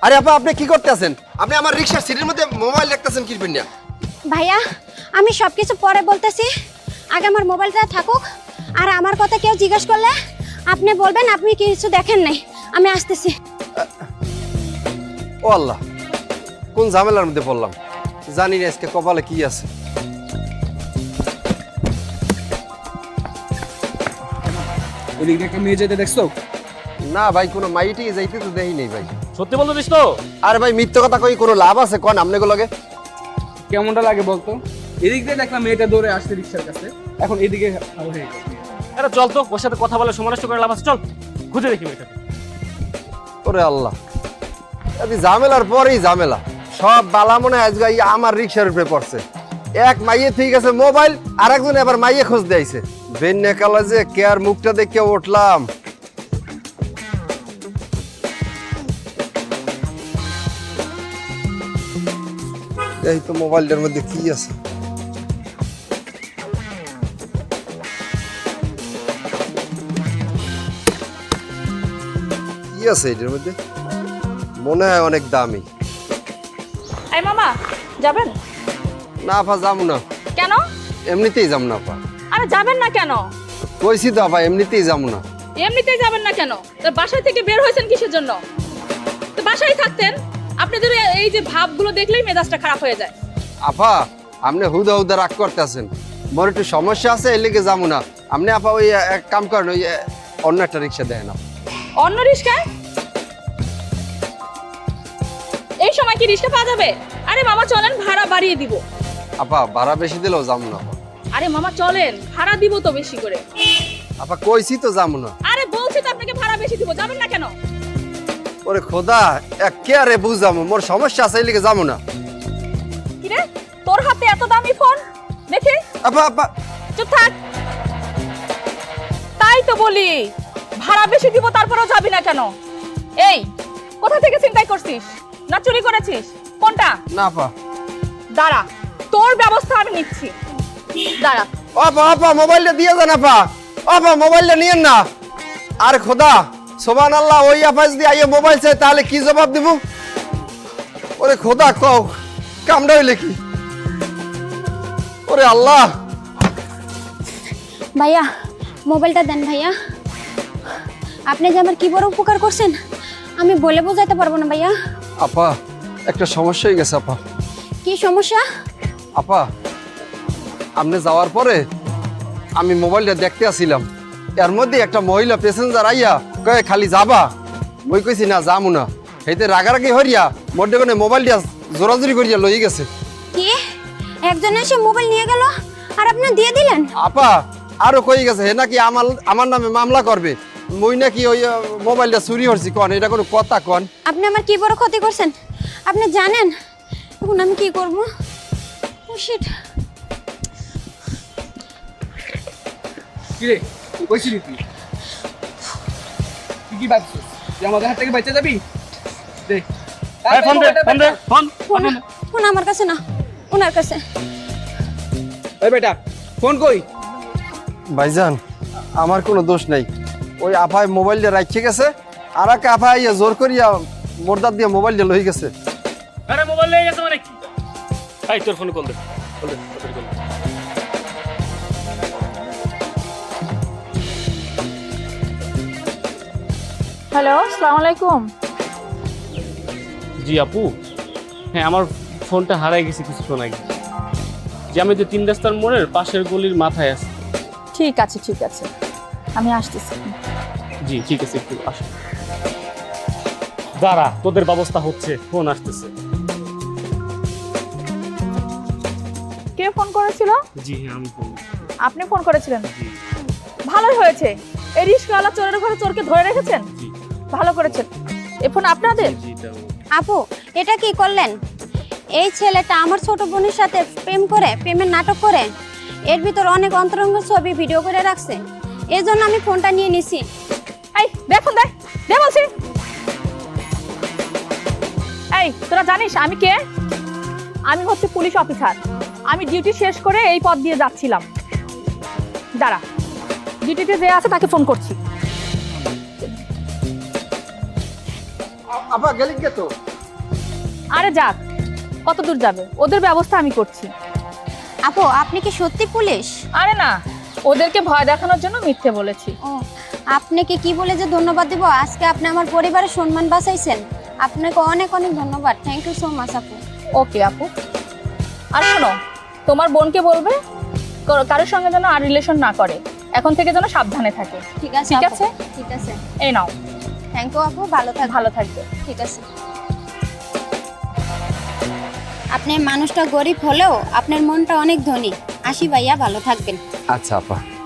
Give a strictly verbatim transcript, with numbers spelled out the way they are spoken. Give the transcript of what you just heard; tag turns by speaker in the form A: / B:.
A: আরে আপা আপনি কি করতেছেন? আপনি আমার রিকশার সিটের মধ্যে মোবাইল রাখতেছেন কি না?
B: ভাইয়া আমি সব কিছু পরে বলতেছি, আগে আমার মোবাইলটা থাকুক। আর আমার কথা কেউ জিজ্ঞেস করলে আপনি বলবেন আপনি কিছু দেখেন নাই। আমি আসতেছি।
A: ও আল্লাহ, কোন ঝামেলার মধ্যে পড়লাম, জানি না আজকে কপালে কি আছে।
C: এদিকে একটা মেয়ে যেতে দেখছো?
A: না ভাই, কোনো মাইটি যাইতে তো দেই নেই ভাই।
D: সত্যি বলতেছিস তো?
A: আরে ভাই মিথ্যা কথা কই কোনো লাভ আছে? কোন আমনে গুলোকে
C: কেমনটা লাগে বলতো? এদিক দিয়ে দেখলাম মেয়েটা দৌড়ে আসছে রিক্সার কাছে, এখন এদিকে হয়ে গেছে।
D: আরে চল তো, ওর সাথে কথা বলে সময় নষ্ট করে লাভ আছে, চল খুঁজে দেখি মেয়েটাকে।
A: ওরে আল্লাহ, এই ঝামেলার পরেই ঝামেলা। সব বালা মনে হয় আজকে এই আমার রিক্সার উপরে পড়ছে। এক মাইয়ে ঠিক আছে মোবাইল, আর একজন এবার মাইয়ে খোঁজ দিয়েছে। বেন্যা কালা যে কে আর মুখটা দেখে উঠলাম। এই তো মোবাইলটার মধ্যে কি আছে? কি আছে এটার মধ্যে? মনে হয় অনেক দামি।
E: এই মামা যাবেন?
A: না আপা যাবো না।
E: কেন?
A: এমনিতেই যাবো না আপা।
E: আরে যাবেন না কেন?
A: কইছি তো আপা এমনিতেই যাবো না।
E: এমনিতেই যাবেন না কেন? তো বাসা থেকে বের হয়েছেন কিসের জন্য? তো বাসায় থাকতেন। আপনাদের এই যে ভাবগুলো দেখলেই মেজাজটা খারাপ হয়ে যায়।
A: আপা আপনি হুদা হুদা রাগ করতেছেন, মোর একটু সমস্যা আছে এর লেগে যাবো না। আপনি আপা ওই এক কাম করেন, ওই অন্য একটা রিক্সা দেয় না।
E: অন্য রিস্কায়? এই সময় কি রিস্কা পাওয়া যাবে? আরে মামা চলেন, ভাড়া বাড়িয়ে দিব।
A: আপা ভাড়া বেশি দিলেও যাবো না আপা।
E: আরে মামা চলেন, ভাড়া দিব তো বেশি করে।
A: আপা কইছি তো যাবো না।
E: আরে বলছি তো আপনাকে ভাড়া বেশি দিব, যাবেন না কেন?
A: ওরে খোদা, এক কে আরে বুঝামো, মোর সমস্যা আছে এর লেগে যাবো না।
E: কি রে, তোর হাতে এত দামি ফোন দেখি?
A: আপা আপা
E: চুপ থাক। তাই তো বলি, ভাড়া বেশি দিব তারপরেও যাবি না কেন? এই কোথা থেকে চিন্তাই করছিস? না চুরি করেছিস? কোনটা?
A: না আপা।
E: দাঁড়া, তোর ব্যবস্থা আমি নিচ্ছি। দাঁড়া।
A: আপা আপা মোবাইলটা দিয়ে যান আপা। আপা মোবাইলটা নিয়েন না। আর খোদা সোবান আল্লাহ, ওই আপা যদি আইয়ে মোবাইল চাই তাহলে কি জবাব দিব? ওরে খোদা কও কামড়া হইলে কি? ওরে আল্লাহ।
B: ভাইয়া মোবাইলটা দেন ভাইয়া। আপনি যে আমার কি বড় উপকার করছেন আমি বলে বোঝাতে পারবো না ভাইয়া।
A: আপা একটা সমস্যা হয়ে গেছে আপা।
B: কি সমস্যা?
A: আপা আপনি যাওয়ার পরে আমি মোবাইলটা দেখতে আসছিলাম, এর মধ্যে একটা মহিলা প্যাসেঞ্জার আইয়া কয়ে খালি যাবা, ওই কইছি না যামু না। সেইতে রাগারাগি হরিয়া মধ্যে কোনে মোবাইলটা জোরাজুরি করিয়া লই গেছে।
B: কি একজন এসে মোবাইল নিয়ে গেল আর আপনি দিয়ে দিলেন?
A: আপা আরো কই গেছে হে নাকি আমার আমার নামে মামলা করবে, মই নাকি ওই আহ, মোবাইলটা চুরি হচ্ছি। কন এটা কোনো কথা? কন
B: আপনি আমার কি বড় ক্ষতি করছেন আপনি জানেন? এখন আমি কি করব? Oh shit.
C: কি রে কইছিলি তুই? তুই কি ভাবছিস যে আমাদের হাত থেকে বেঁচে যাবি? দেখ
D: এই ফোন দে, ফোন দে, ফোন
B: ফোন ফোন আমার কাছে না, ওনার কাছে।
C: ওই বেটা ফোন কই?
A: ভাইজান আমার কোনো দোষ নাই, ওই আপায় মোবাইলটা রাখছে গেছে, আর এক আপায় আইয়া জোর করিয়া মোরদার দিয়ে মোবাইলটা লই গেছে।
D: আরে মোবাইল নিয়ে গেছে মানে কি? এই তোর ফোনে কল দে, কল দে, কল দে।
E: হ্যালো, আসসালামু আলাইকুম।
D: জি আপু, হ্যাঁ আমার ফোনটা হারাই গেছে কিছুক্ষণ আগে। যে আমি তো তিন রাস্তার মোড়ের পাশের গলির মাথায় আছি।
E: ঠিক আছে ঠিক আছে, আমি আসতেছি।
D: জি ঠিক আছে, একটু আসো। দাঁড়া, তোদের ব্যবস্থা হচ্ছে, ফোন আসতেছে।
E: কে ফোন করেছিল?
D: জি হ্যাঁ আমি ফোন।
E: আপনি ফোন করেছিলেন?
D: জি
E: ভালোই হয়েছে, এই রিস্কাওয়ালা চোরের ঘরে চোরকে ধরে রেখেছেন।
D: জি
E: ভালো করেছেন। এই ফোন আপনাদের?
D: জি এটা
B: আপু এটা কি করলেন? এই ছেলেটা আমার ছোট বোনের সাথে প্রেম করে, প্রেমের নাটক করে এর ভিতর অনেক অন্তরঙ্গ ছবি ভিডিও করে রাখছে, এই জন্য আমি ফোনটা নিয়ে নিছি।
E: এই দে ফোন, দে দে বলছি। এই তোরা জানিস আমি কে? আমি হচ্ছে পুলিশ অফিসার। আমি ডিউটি শেষ করে এই পথ দিয়ে যাচ্ছিলাম। দাঁড়া, ডিউটিতে যে আছে তাকে ফোন করছি।
A: আপা গেলি কে তো?
E: আরে যাক, কত দূর যাবে, ওদের ব্যবস্থা আমি করছি।
B: আপু আপনি কি সত্যি পুলিশ?
E: আরে না, ওদেরকে ভয় দেখানোর জন্য মিথ্যে বলেছি।
B: ও, আপনাকে কি বলে যে ধন্যবাদ দিব? আজকে আপনি আমার পরিবারের সম্মান বাঁচাইছেন, আপনাকে অনেক অনেক ধন্যবাদ। থ্যাংক ইউ সো মাচ আপু।
E: ওকে আপু। আর শোনো, তোমার বোনকে বলবে কারো- কারোর সঙ্গে যেন আর রিলেশন না করে, এখন থেকে যেন সাবধানে থাকে।
B: ঠিক আছে
E: ঠিক
B: আপু,
E: আছে?
B: ঠিক আছে।
E: এই নাও।
B: থ্যাংক ইউ আপু, ভালো থাক।
E: ভালো থাকবে।
B: ঠিক আছে। আপনি মানুষটা গরিব হলেও আপনার মনটা অনেক ধনী। আসি ভাইয়া, ভালো থাকবেন।
A: আচ্ছা আপা।